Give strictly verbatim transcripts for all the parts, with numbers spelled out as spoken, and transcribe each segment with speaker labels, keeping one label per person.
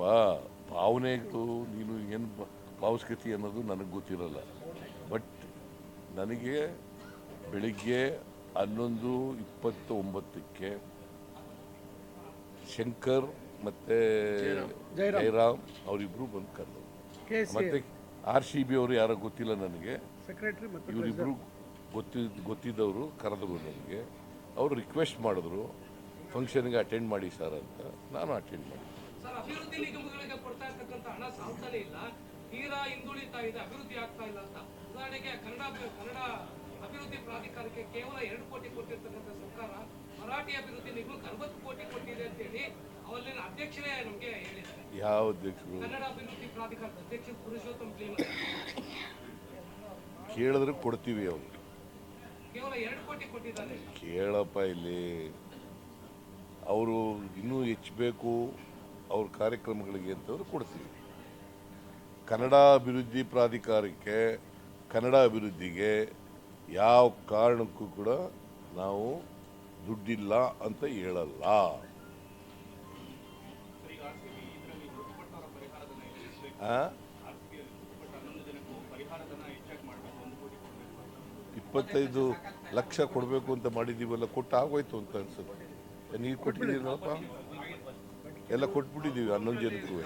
Speaker 1: ಭಾವನೆಗಳು ನೀನು ಏನು ಭಾವಿಸ್ಕತಿ ಅನ್ನೋದು ನನಗೆ ಗೊತ್ತಿರಲ್ಲ. ಬಟ್ ನನಗೆ ಬೆಳಿಗ್ಗೆ ಹನ್ನೊಂದು ಇಪ್ಪತ್ತ ಒಂಬತ್ತಕ್ಕೆ ಶಂಕರ್ ಮತ್ತು ಜಯರಾಮ್ ಅವರಿಬ್ಬರು ಬಂದು ಕರೆದು, ಮತ್ತು ಆರ್ ಸಿ ಬಿ ಅವರು ಯಾರೋ ಗೊತ್ತಿಲ್ಲ ನನಗೆ, ಇವರಿಬ್ಬರು ಗೊತ್ತಿದ್ದ ಗೊತ್ತಿದ್ದವರು ಕರೆದ್ರು ನನಗೆ. ಅವರು ರಿಕ್ವೆಸ್ಟ್ ಮಾಡಿದ್ರು ಫಂಕ್ಷನ್ಗೆ ಅಟೆಂಡ್ ಮಾಡಿ ಸರ್ ಅಂತ. ನಾನು ಅಟೆಂಡ್ ಮಾಡಿ.
Speaker 2: ಸರ್, ಅಭಿವೃದ್ಧಿ ನಿಗಮಗಳಿಗೆ ಕೊಡ್ತಾ ಇರ್ತಕ್ಕಂಥ ಹಣ ಸಾಲ್ತಾನೆ ಇಲ್ಲ, ತೀರಾ ಹಿಂದುಳಿತಾ ಇದೆ, ಅಭಿವೃದ್ಧಿ ಆಗ್ತಾ ಇಲ್ಲ ಅಂತ. ಉದಾಹರಣೆಗೆ ಕನ್ನಡ ಕನ್ನಡ ಅಭಿವೃದ್ಧಿ ಪ್ರಾಧಿಕಾರಕ್ಕೆ ಕೇವಲ ಎರಡು ಕೋಟಿ ಕೊಟ್ಟಿರ್ತಕ್ಕಂಥ ಸರ್ಕಾರ ಮರಾಠಿ ಅಭಿವೃದ್ಧಿ ನಿಗಮಕ್ಕೆ ಅರವತ್ತು ಕೋಟಿ ಕೊಟ್ಟಿದೆ ಅಂತೇಳಿ ಅವಲ್ಲಿನ ಅಧ್ಯಕ್ಷರೇ ನಮಗೆ ಹೇಳಿದ್ದಾರೆ.
Speaker 1: ಯಾವ ಅಧ್ಯಕ್ಷರು?
Speaker 2: ಕನ್ನಡ ಅಭಿವೃದ್ಧಿ ಪ್ರಾಧಿಕಾರದ ಅಧ್ಯಕ್ಷ ಪುರುಷೋತ್ತಮ್ ಕ್ಲೀನ್.
Speaker 1: ಕೇಳಿದ್ರೆ ಕೊಡ್ತೀವಿ. ಅವರು
Speaker 2: ಕೇವಲ ಎರಡು ಕೋಟಿ ಕೊಟ್ಟಿದ್ದಾರೆ.
Speaker 1: ಕೇಳಪ್ಪ, ಇಲ್ಲಿ ಅವರು ಇನ್ನೂ ಹೆಚ್ಚಬೇಕು ಅವ್ರ ಕಾರ್ಯಕ್ರಮಗಳಿಗೆ ಅಂತಂದ್ರೆ ಕೊಡ್ತೀವಿ. ಕನ್ನಡ ಅಭಿವೃದ್ಧಿ ಪ್ರಾಧಿಕಾರಕ್ಕೆ, ಕನ್ನಡ ಅಭಿವೃದ್ಧಿಗೆ ಯಾವ ಕಾರಣಕ್ಕೂ ಕೂಡ ನಾವು ದುಡ್ಡಿಲ್ಲ ಅಂತ ಹೇಳಲ್ಲ. ಇಪ್ಪತ್ತೈದು ಲಕ್ಷ ಕೊಡಬೇಕು ಅಂತ ಮಾಡಿದ್ದೀವಲ್ಲ, ಕೊಟ್ಟು ಆಗೋಯ್ತು ಅಂತ ಅನ್ಸುತ್ತೆ. ನೀವು ಕೊಟ್ಟಿದ್ದೀರಪ್ಪ, ಎಲ್ಲ ಕೊಟ್ಬಿಟ್ಟಿದ್ದೀವಿ ಹನ್ನೊಂದು ಜನಕ್ಕೂ.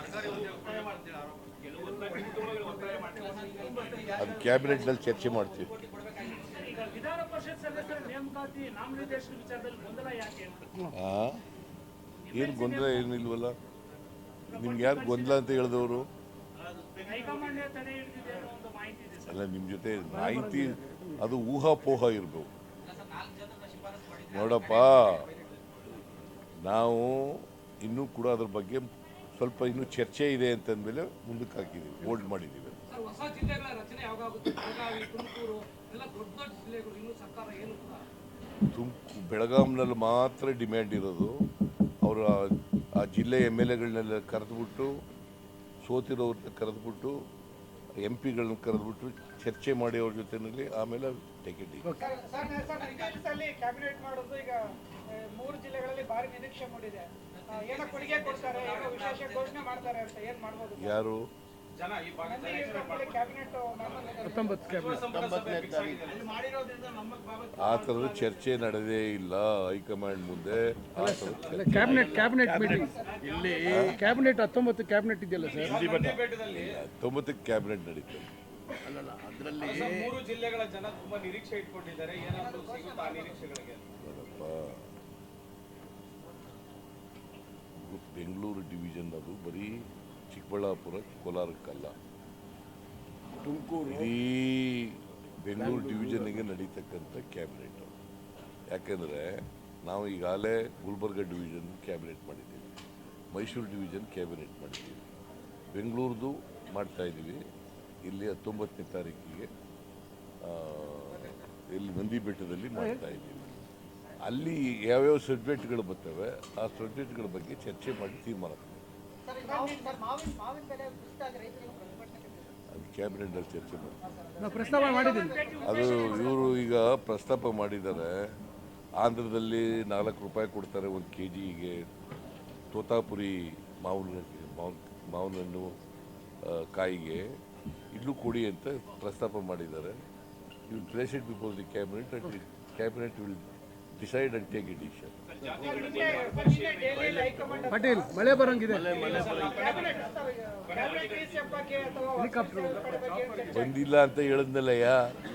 Speaker 1: ಅದು ಕ್ಯಾಬಿನೆಟ್ನಲ್ಲಿ ಚರ್ಚೆ ಮಾಡ್ತೀವಿ. ಏನು ಗೊಂದಲ ಏನಿಲ್ವಲ್ಲ? ನಿಮ್ಗೆ ಯಾರು ಗೊಂದಲ ಅಂತ ಹೇಳಿದವರು? ಅಲ್ಲ, ನಿಮ್ಮ ಜೊತೆ ಮಾಹಿತಿ ಅದು ಊಹಾಪೋಹ ಇರ್ಬೇಕು. ನೋಡಪ್ಪ, ನಾವು ಇನ್ನೂ ಕೂಡ ಅದ್ರ ಬಗ್ಗೆ ಸ್ವಲ್ಪ ಇನ್ನೂ ಚರ್ಚೆ ಇದೆ ಅಂತಂದ್ಮೇಲೆ ಮುಂದಕ್ಕೆ ಹಾಕಿದ್ದೀವಿ, ಹೋಲ್ಡ್ ಮಾಡಿದ್ದೀವಿ. ತುಮಕೂರು ಬೆಳಗಾಂನಲ್ಲಿ ಮಾತ್ರ ಡಿಮ್ಯಾಂಡ್ ಇರೋದು. ಅವರು ಆ ಜಿಲ್ಲೆ ಎಮ್ ಎಲ್ ಎಗಳನ್ನೆಲ್ಲ ಕರೆದುಬಿಟ್ಟು, ಸೋತಿರೋರನ್ನ ಕರೆದುಬಿಟ್ಟು, ಎಂ ಪಿಗಳನ್ನ ಕರೆದುಬಿಟ್ಟು ಚರ್ಚೆ ಮಾಡಿ ಅವ್ರ ಜೊತೆಯಲ್ಲಿ ಆಮೇಲೆ ಟಿಕೆಟ್.
Speaker 3: ಕ್ಯಾಬಿನೆಟ್ ಮಾಡೋದು ಈಗ ಮೂರು ಜಿಲ್ಲೆಗಳಲ್ಲಿ ಭಾರಿ ನಿರೀಕ್ಷೆ ಮೂಡಿದೆ. ಏನೋ ಕೊಡುಗೆ ಕೊಡ್ತಾರೆ, ಏನೋ ವಿಶೇಷ ಘೋಷಣೆ ಮಾಡ್ತಾರೆ ಅಂತ. ಏನ್ ಮಾಡ್ಬೋದು?
Speaker 1: ಯಾರು ಆ ಥರದ ಚರ್ಚೆ ನಡೆದೇ ಇಲ್ಲ ಹೈಕಮಾಂಡ್ ಮುಂದೆ.
Speaker 4: ಕ್ಯಾಬಿನೆಟ್ ಕ್ಯಾಬಿನೆಟ್ ಮೀಟಿಂಗ್ ಇಲ್ಲಿ ಕ್ಯಾಬಿನೆಟ್ ಹತ್ತೊಂಬತ್ತು ಕ್ಯಾಬಿನೆಟ್ ಇದೆಯಲ್ಲ ಸರ್,
Speaker 1: ಹತ್ತೊಂಬತ್ತಕ್ಕೆ ಕ್ಯಾಬಿನೆಟ್ ನಡೀತದೆ.
Speaker 5: ಅದರಲ್ಲಿ ಮೂರು ಜಿಲ್ಲೆಗಳ ಜನ ತುಂಬಾ ನಿರೀಕ್ಷೆ ಇಟ್ಕೊಂಡಿದ್ದಾರೆ. ಏನಾದರೂ ಸಿಗುತ್ತಾ ಆ ನಿರೀಕ್ಷೆಗಳಿಗೆ?
Speaker 1: ಬೆಂಗಳೂರು ಡಿವಿಷನ್ ಅದು ಬರೀ ಚಿಕ್ಕಬಳ್ಳಾಪುರ ಕೋಲಾರಕ್ಕಲ್ಲ, ತುಮಕೂರು ಇಡೀ ಬೆಂಗಳೂರು ಡಿವಿಷನ್ಗೆ ನಡೀತಕ್ಕಂಥ ಕ್ಯಾಬಿನೆಟ್. ಯಾಕೆಂದರೆ ನಾವು ಈಗಾಗಲೇ ಗುಲ್ಬರ್ಗ ಡಿವಿಷನ್ ಕ್ಯಾಬಿನೆಟ್ ಮಾಡಿದ್ದೀವಿ, ಮೈಸೂರು ಡಿವಿಷನ್ ಕ್ಯಾಬಿನೆಟ್ ಮಾಡಿದ್ದೀವಿ, ಬೆಂಗಳೂರದು ಮಾಡ್ತಾಯಿದ್ದೀವಿ. ಇಲ್ಲಿ ಹತ್ತೊಂಬತ್ತನೇ ತಾರೀಕಿಗೆ ಇಲ್ಲಿ ನಂದಿ ಬೆಟ್ಟದಲ್ಲಿ ಮಾಡ್ತಾಯಿದ್ದೀವಿ. ಅಲ್ಲಿ ಯಾವ್ಯಾವ ಸಬ್ಜೆಕ್ಟ್ಗಳು ಬರ್ತವೆ ಆ ಸಬ್ಜೆಕ್ಟ್ಗಳ ಬಗ್ಗೆ ಚರ್ಚೆ ಮಾಡಿ ತೀರ್ಮಾನ ಅದು ಕ್ಯಾಬಿನೆಟ್ನಲ್ಲಿ ಚರ್ಚೆ ಮಾಡಿ. ಅದು ಇವರು ಈಗ ಪ್ರಸ್ತಾಪ ಮಾಡಿದ್ದಾರೆ. ಆಂಧ್ರದಲ್ಲಿ ನಾಲ್ಕು ರೂಪಾಯಿ ಕೊಡ್ತಾರೆ ಒಂದು ಕೆ ಜಿಗೆ ತೋತಾಪುರಿ ಮಾವಿನ ಮಾವಿನ ಮಾವಿನ ಹಣ್ಣು ಕಾಯಿಗೆ. ಇಲ್ಲೂ ಕೊಡಿ ಅಂತ ಪ್ರಸ್ತಾಪ ಮಾಡಿದ್ದಾರೆ. You will place it before the cabinet and the cabinet will decide and take a decision.
Speaker 4: Patel, ಮಳೆ ಬರಂಗಿದೆ.
Speaker 1: ಬಂದಿಲ್ಲ ಅಂತ ಹೇಳಿದ್ನಲ್ಲಯ್ಯ.